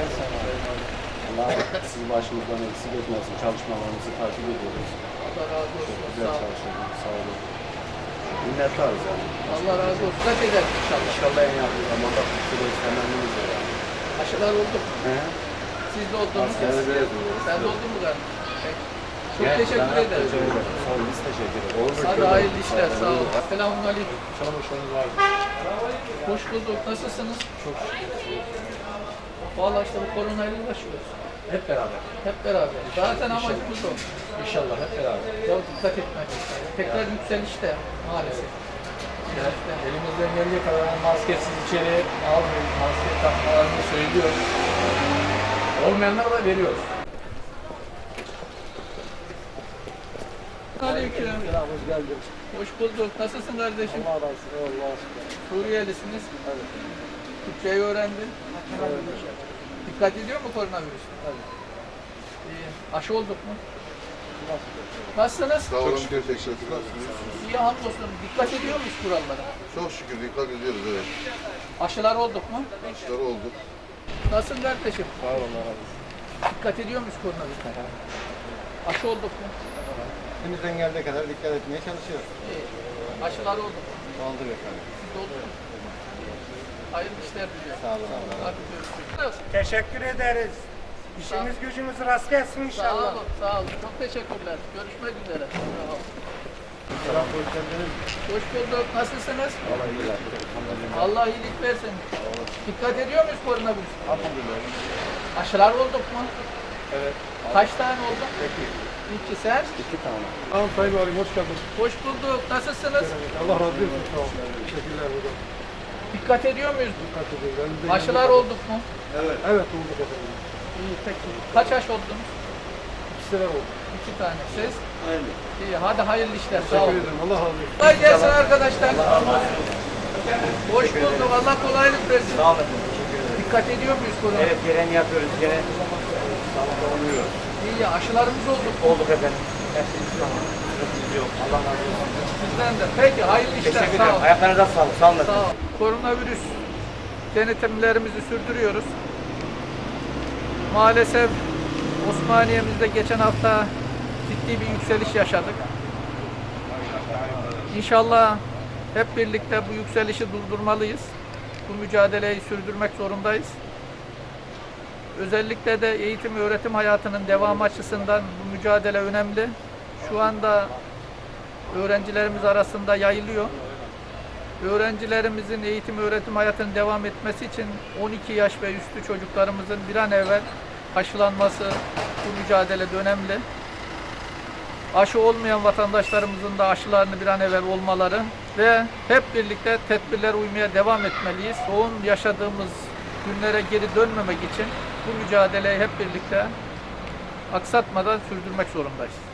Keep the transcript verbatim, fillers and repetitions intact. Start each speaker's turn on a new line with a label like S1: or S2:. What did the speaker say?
S1: sana. Allah sizi başımızdan eksik etmesin. Çalışmalarınızı takip ediyoruz.
S2: Allah razı olsun.
S1: Çok güzel
S2: Sağ olun.
S1: çalışıyorsunuz. Sağ olun. Minnettarız yani.
S2: Allah razı olsun. Kaç eder inşallah.
S1: İnşallah en yakın zamanda kurtuluş temennimiz var yani.
S2: Aşılar oldu.
S1: He?
S2: Siz de oldunuz.
S1: Askerde de yazıyoruz.
S2: Sen de oldun mu galiba? Peki. Çok
S1: Gel,
S2: teşekkür
S1: sana
S2: ederim.
S1: teşekkür ederim. Sağ olun. Biz teşekkür ederiz.
S2: Hadi hayırlı işler. Sağ olun. Selamun aleyküm.
S1: Çalışmanız var.
S2: Hoş bulduk. Nasılsınız?
S1: Çok şükür.
S2: Vallahi işte bu koronayla uğraşıyoruz.
S1: Hep beraber.
S2: Hep beraber. Zaten amacımız o.
S1: İnşallah hep beraber.
S2: Ya dikkat etmek. Tekrar yükselişte maalesef.
S1: Yani elimizden geldiği kadar maskesiz içeri almayın, maske takmalarını söylüyoruz. Olmayanlara da veriyoruz.
S2: Aleyküm.
S1: Hoş geldin.
S2: Hoş bulduk. Nasılsın kardeşim?
S1: Allah razı olsun. Allah aşkına.
S2: Suriyelisiniz.
S1: Evet.
S2: Türkçeyi öğrendin. Dikkat ediyor mu koronavirüs?
S1: Evet.
S2: İyi. Aşı olduk mu? Nasılsınız?
S3: Sağ olun, teşekkür ederim.
S2: İyi hamdolsun. Dikkat ediyor muyuz kurallara?
S3: Çok şükür dikkat ediyoruz, evet.
S2: Aşılar olduk mu?
S3: İşler oldu.
S2: Nasılsın kardeşim?
S1: Sağ olun. Allah razı olsun.
S2: Dikkat ediyor muyuz koronavirüse? Aşı olduk mu?
S1: Elimizden geldiği kadar dikkat etmeye çalışıyoruz.
S2: İyi. Aşılar olduk mu?
S1: Aldık efendim.
S2: Siz de oldu mu? Hayırlı işler diliyorum.
S1: Sağ olun. Allah razı olsun.
S2: Hadi görüşürüz.
S4: Teşekkür ederiz. İşimiz gücümüz rast gelsin
S2: Sağ
S4: inşallah.
S2: olun, sağ olun. Çok teşekkürler. Görüşmek üzere. Sağ olun.
S1: Selam, hoş geldiniz.
S2: Hoş bulduk. Nasılsınız?
S1: Allah iyilik versin.
S2: Allah iyilik versin. Dikkat ediyor muyuz koronavirüse?
S1: Elhamdülillah.
S2: Aşılar olduk mu?
S1: Evet.
S2: Kaç tane oldu?
S1: Peki.
S2: İki sen.
S1: İki tane.
S5: Tamam Sayın Valim, hoş geldiniz.
S2: Hoş bulduk. Nasılsınız?
S5: Allah razı olsun. Sağ olun. Teşekkürler hocam.
S2: Dikkat ediyor muyuz?
S5: Dikkat ediyoruz. Elimizden
S2: Aşılar
S5: geldiği
S2: olduk mu?
S5: kadar- Evet, olduk efendim.
S2: İyi peki. Kaç aşı oldunuz?
S5: İki sene oldu.
S2: İki tane. Siz? Aynı. İyi. Hadi hayırlı işler. Sağ
S5: Teşekkür
S2: olun.
S5: ederim. Allah razı olsun.
S2: Kolay gelsin arkadaşlar. Hoş bulduk. Allah kolaylık versin.
S6: Sağ olun. Teşekkür ederim.
S2: Dikkat ediyor muyuz korona?
S6: Evet, gereğini yapıyoruz. Gene sağlıklı oluyor.
S2: İyi ya. Aşılarımız olduk.
S6: Olduk efendim. Hepsiniz tamam. Sıkıntımız yok. Allah razı olsun.
S2: Sizden de. Peki hayırlı işler.
S6: Teşekkür
S2: Sağ
S6: ederim.
S2: olun.
S6: Ayaklarınıza sağlık. Sağ olun.
S2: Sağ ol. Koronavirüs denetimlerimizi sürdürüyoruz. Maalesef Osmaniye'mizde geçen hafta ciddi bir yükseliş yaşadık. İnşallah hep birlikte bu yükselişi durdurmalıyız. Bu mücadeleyi sürdürmek zorundayız. Özellikle de eğitim ve öğretim hayatının devamı açısından bu mücadele önemli. Şu anda öğrencilerimiz arasında yayılıyor. Öğrencilerimizin eğitim öğretim hayatının devam etmesi için on iki yaş ve üstü çocuklarımızın bir an evvel aşılanması bu mücadelede önemli. Aşı olmayan vatandaşlarımızın da aşılarını bir an evvel olmaları ve hep birlikte tedbirlere uymaya devam etmeliyiz. Yoğun yaşadığımız günlere geri dönmemek için bu mücadeleyi hep birlikte aksatmadan sürdürmek zorundayız.